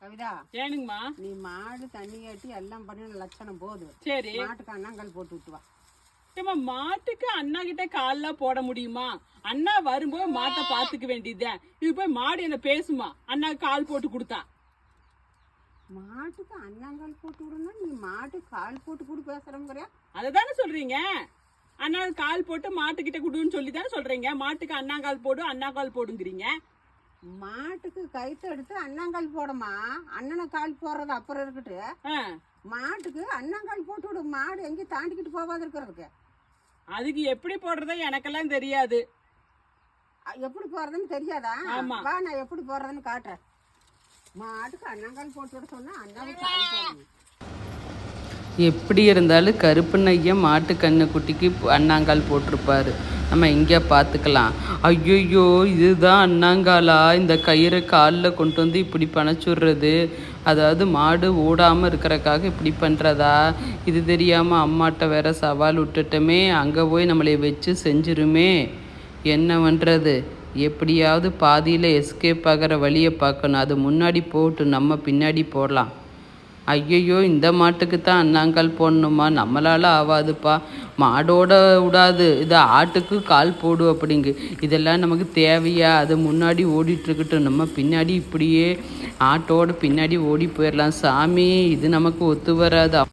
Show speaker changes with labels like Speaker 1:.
Speaker 1: கவிதா,
Speaker 2: ஏனுங்கம்மா?
Speaker 1: நீ மாடு தண்ணி கட்டி எல்லாம் பண்ண லட்சணம் போகுது.
Speaker 2: சரி,
Speaker 1: மாட்டுக்கு அண்ணாங்கல் போட்டு விட்டு வா.
Speaker 2: ஏம்மா, மாட்டுக்கு அண்ணா கிட்ட கால்லாம் போட முடியுமா? அண்ணா வரும்போது மாட்டை பாத்துக்க வேண்டியதுதான். இது போய் மாடு என்ன பேசுமா அண்ணா கால் போட்டு கொடுத்தா?
Speaker 1: மாட்டுக்கு அண்ணாங்கல் போட்டு விடணும், நீ மாட்டுக்கு கால் போட்டு கூட பேசுறோங்கிறியா?
Speaker 2: அததானே சொல்றீங்க. அண்ணா கால் போட்டு மாட்டுக்கிட்ட கொடுன்னு சொல்லி தானே சொல்றீங்க. மாட்டுக்கு அண்ணாங்கால் போடு அண்ணாங்கால் போடுங்கிறீங்க.
Speaker 1: மாட்டுக்கு கயிற்று எடுத்து அண்ணாங்கல் போடமா, அண்ணனை கால் போடுறது அப்புறம் இருக்கட்டு. மாட்டுக்கு அண்ணாங்கல் போட்டு விடு, மாடு எங்கேயும் தாண்டிக்கிட்டு போகாது இருக்கிறதுக்கு.
Speaker 2: அதுக்கு எப்படி போடுறதா எனக்கெல்லாம் தெரியாது.
Speaker 1: எப்படி போறதுன்னு தெரியாதா?
Speaker 2: ஆமா.
Speaker 1: வா, நான் எப்படி போடுறதுன்னு காட்டுறேன். மாட்டுக்கு அண்ணாங்கல் போட்டு விட சொன்னா அண்ணாவை கால் போடணும்.
Speaker 3: எப்படி இருந்தாலும் கருப்பண்ணய்யா மாட்டு கண்ணு குட்டிக்கு அண்ணாங்கால் போட்டிருப்பாரு. நம்ம இங்கே பார்த்துக்கலாம். ஐயோ, இதுதான் அண்ணாங்காலா? இந்த கயிறை காலில் கொண்டு வந்து இப்படி பணச்சுடுறது, அதாவது மாடு ஓடாமல் இருக்கிறக்காக இப்படி பண்ணுறதா? இது தெரியாமல் அம்மாட்ட வேற சவால் விட்டுட்டோமே, அங்கே போய் நம்மளை வச்சு செஞ்சிருமே, என்ன பண்ணுறது? எப்படியாவது பாதியில் எஸ்கேப் ஆகிற வழியை பார்க்கணும். அது முன்னாடி போட்டு நம்ம பின்னாடி போடலாம். ஐயையோ, இந்த மாட்டுக்கு தான் அண்ணாங்கால் போடணுமா? நம்மளால் ஆகாதுப்பா, மாடோட விடாது, இது ஆட்டுக்கு கால் போடு அப்படிங்கு. இதெல்லாம் நமக்கு தேவையா? அது முன்னாடி ஓடிட்டுருக்கட்டும், நம்ம பின்னாடி இப்படியே ஆட்டோட பின்னாடி ஓடி போயிடலாம். சாமி, இது நமக்கு ஒத்து வராது.